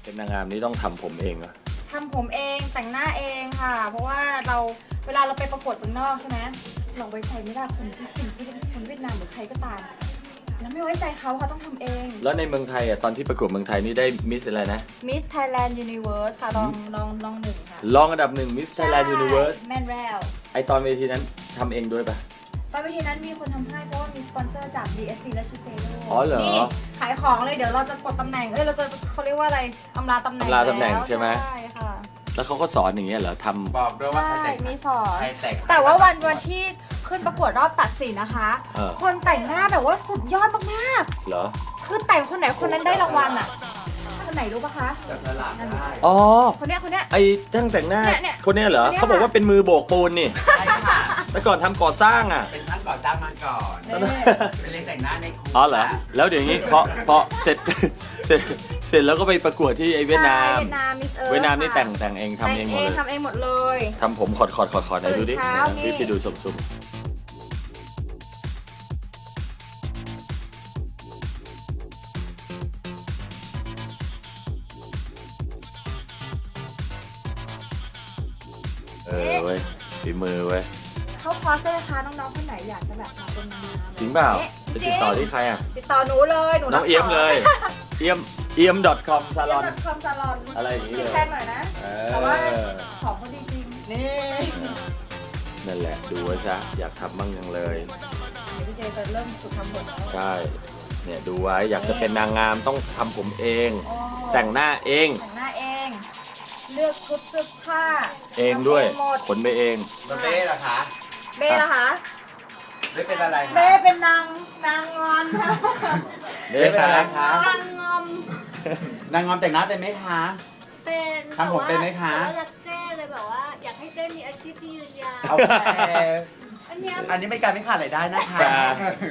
เป็นนางงามนี่ต้องทำผมเองเหรอทำผมเองแต่งหน้าเองค่ะ เพราะว่าเวลาเราไปประกวดเมืองนอกใช่ไหมเราไว้ใจไม่ได้คนที่คนเวียดนามหรือใครก็ตามแล้วไม่ไว้ใจเขาค่ะต้องทำเองแล้วในเมืองไทยอ่ะตอนที่ประกวดเมืองไทยนี่ได้มิสอะไรนะ Miss Thailand Universe ค่ะลองหนึ่งค่ะรองอันดับ1 Miss Thailand Universe แม่นแววไอตอนเวทีนั้นทำเองด้วยปะตอนเวทีนั้นมีคนทำให้เพราะว่ามีสปอนเซอร์จาก DSC และชิเซโร่อ๋อเหรอนี่ขายของเลยเดี๋ยวเราจะปลดตำแหน่งเราจะเขาเรียกว่าอะไรอำลาตำแหน่งอำลาตำแหน่งใช่ไหมใช่ค่ะแล้วเขาก็สอนอย่างเงี้ยเหรอทบอกด้วยว่าใครใช่แต่งมีสอนใครแต่งแต่ว่าวันที่ขึ้นประกวดรอบตัดสินนะคะ คนแต่งหน้าแบบว่าสุดยอดมากำเหรอๆคือแต่งคนไหนคนนั้นได้รางวัลอ่ะคนไหนรู้ปะคะจะสลับได้อ๋อคนเนี้ยไอ้ช่างแต่งหน้าเนี่ยคนเนี้ยเหรอคนเนี้ยเขาบอกว่าเป็นมือโบกปูนนี่ใช่ค่ะแต่ก่อนทำก่อสร้างอ่ะเป็นช่างก่อสร้างมาก่อนนี่เป็นเรียนแต่งหน้าในครูอ๋อเหรอ แล้วเดี๋ยวนี้พอเสร็จ เสร็จแล้วก็ไปประกวดที่ไอเวียดนามใช่เวียดนามมิสเอิร์ธเวียดนามนี่ค่ะแต่งเองทำเองหมดเลยทำเองหมดเลยทำผมขอดไหนดูดิตื่นเช้านี่พี่ดูสุ่มเว้ยฝีมือเว้ยเข้าคอร์สเลยนะคะน้องๆคนไหนอยากจะแบบมาเป็นนางงามจริงเปล่าอ๊ะจะจติริดงต่อที่ใครอ่ะติดต่อหนูเลยหนูน้องเอี้ยมเลย เอี้ยม .com ซาลอนคอมซาลอนอะไรอย่างนี้เลยแค่หน่อยนะ แต่ว่าของเขาดีจริงนี่นั่นแหละดูไว้ซะอยากทำบ้างยังเลยเดี๋ยวพี่เจจะเริ่มฝึกทำผมแล้วใช่ เนี่ยดูไว้อยากจะเป็นนางงามต้องทำผมเองอ๋อแต่งหน้าเองแต่งหน้าเอง เลือกชุดเสื้อผ้าเองด้วยทำเองหมดขนไปเองแล้วเบ้ล่ะคะเบ้ล่ะคะเบ้เป็นอะไรคะเบ้เป็นนางงอนค่ะเบ้เป็นอะไรคะนางงอมนางงอมแต่งหน้าเป็นไหมคะเป็นทำผมเป็นไหมคะแต่ว่ารักเจ้เลยแบบว่า อยากให้เจ้มีอาชีพที่ยืนยาวโอเคอันเนี้ยอันนี้เป็นการไม่ขาดรายได้นะคะจ้า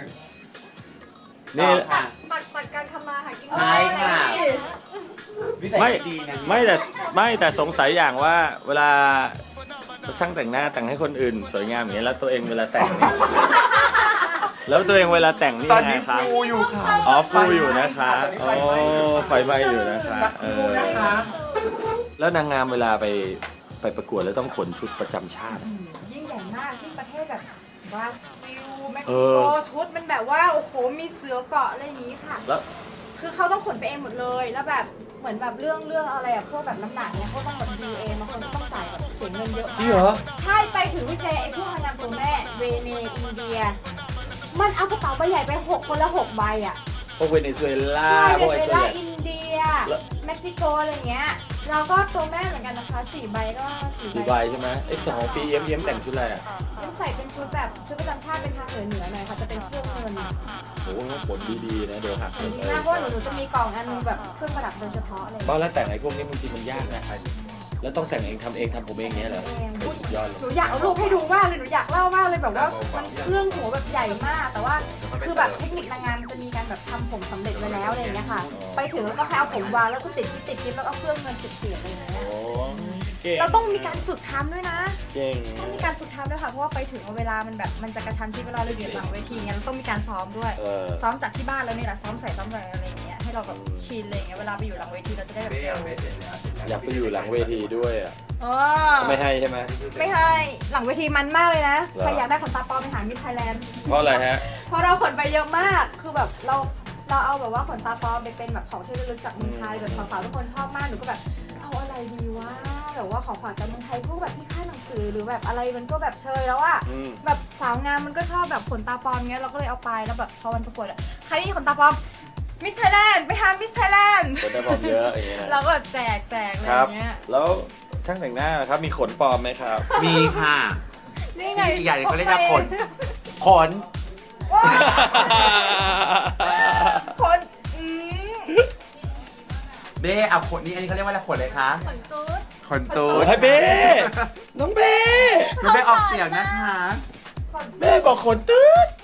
นี่ต่อค่ะตัดการทำมาหากินใช่ค่ะ วิสัยไม่ดีนะไม่แต่สงสัยอย่างว่าเวลาช่างแต่งหน้าแต่งให้คนอื่น สวยงามอย่างเงี้ยแล้วตัวเองเวลาแต่งนี่แล้วตัวเองเวลาแต่งนี่ตอนยังไงนี้คะฟูอยู่ค่ะอ๋อฟูอยู่นะคะโอ้ไฟไหม้อยู่นะคะสักครู่นะคะแล้วนางงามเวลาไปประกวดแล้วต้องขนชุดประจำชาติอะยิ่งใหญ่มากที่ประเทศแบบบราซิลเม็กเอซิโกอชุดมันแบบว่าโอ้โหมีเสือเกาะอะไรอย่างนี้ค่ะแล้วคือเขาต้องขนไปเองหมดเลย แล้วแบบเหมือนแบบเรื่องอะไรอะพวกแบบน้ำหนักเนี่ยเขาต้องแบบดูเองบางคนก็ต้องจ่ายแบบเสียเงินเยอะจริงมาเหรอกใช่ไปถึงวิจัยไอ้พวกนางงามตัวแม่เวเนอินเดีย มันเอากระเป๋าใบใหญ่ไปคนละ6 ใบอะพวกเวเนซุเอลาใช่พวกเวไอ้เนตัวซุเอใหลาญ่อินเดียแล้วเม็กซิโกอะไรเงี้ยเราก็ตัวแม่เหมือนกันนะคะ4 ใบก็สีใบใช่ไหมไอ้สองปีเอ็มแต่งชุดอะไรอ่ะต้องใส่เป็นชุดแบบชุดประจำชาติเป็นทางเหนือหน่อยค่ะจะเป็นเครื่องเงินโอ้โหผลดีๆนะเดี๋ยวหักจริงๆนะเพราะว่าหนูจะมีกล่องอันนึงแบบเครื่องประดับโดยเฉพาะอะไรอย่างบ้าเงี้ยแล้วแต่งไอ้พวกนี้บางทีมันยากนะแล้วต้องแต่งเองทำเองทำผมเองเงี้ยเหรอโอ้ยสุดยอดเลยหนูอยากเอารูปให้ดูมากเลยหนูอยากเล่ามากเลยแบบว่ามันเครื่องหัวแบบใหญ่มาก แต่ว่าคือแบบเทคนิคนางงามมันจะมีการแบบทำผมสำเร็จไว้แล้วอะไรอย่างเงี้ยค่ะ ไปถึงแล้วก็แค่เอาผมวางแล้วก็ติดกิ๊บแล้วก็เอาเครื่องเงินเสียบๆอะไรอย่างเงี้ยโอ้เก่งเราต้องมีการฝึกทำด้วยนะเก่งต้องมีการฝึกทำด้วยค่ะ เพราะว่าไปถึงเวลามันแบบมันจะกระชั้นชิดเวลาเราอยู่หลังเวทีเงี้ยเราต้องมีการซ้อมด้วย ซ้อมจากที่บ้านแล้วนี่แหละซ้อมใส่ซ้อมอะไรอะไรอย่างเงี้ยให้เราแบบชินอะไรอย่างเงี้ยเวลาไปอยู่หลังเวทีเราจะได้แบบเบ้เร็วเอาเบ้เสร็จแล้วอยากไปอยู่หลังเวทีด้วยอ่ะอ๋อไม่ให้ใช่ไหมไม่ให้หลังเวทีมันมากเลยนะเหรอใครอยากได้ขนตาปลอมไปหามิสไทยแลนด์เพราะอะไรฮะเพราะเราขนไปเยอะมากคือแบบเราเอาแบบว่าขนตาปลอมไปเป็นแบบของที่ระลึกจากเมืองไทยแบบสาวๆทุกคนชอบมากหนูก็แบบเอาอะไรดีวะแบบว่าของฝากจากเมืองไทยพวกแบบที่ค่ายหนังสือหรือแบบอะไรมันก็แบบเชยแล้วอะอืมแบบสาวงามมันก็ชอบแบบขนตาปลอมเงี้ยเราก็เลยเอาไปแล้วแบบพอวันประกวดอะใครมีขนตาปลอมมิสไทยแลนด์ไปทำมิสไทยแลนด์คนได้บอกเยอะอย่างเงี้ยเราก็แบบแจกอะไรคอรับย่างเงี้ยแล้วช่างแต่งหน้านะครับมีขนปลอมไหมครับมีค่ะนี่ไงอีกอย่างหนึ่งเขาเรียกว่าขน ขนคนเบ้เอาขนนี่อันนี้เขาเรียกว่าอะไรขนเลยคะขนตูดขนตูดโอ้ยเบ้น้องเบ้มันไม่ออกเสียงนะคะเบ้บอกขนตืด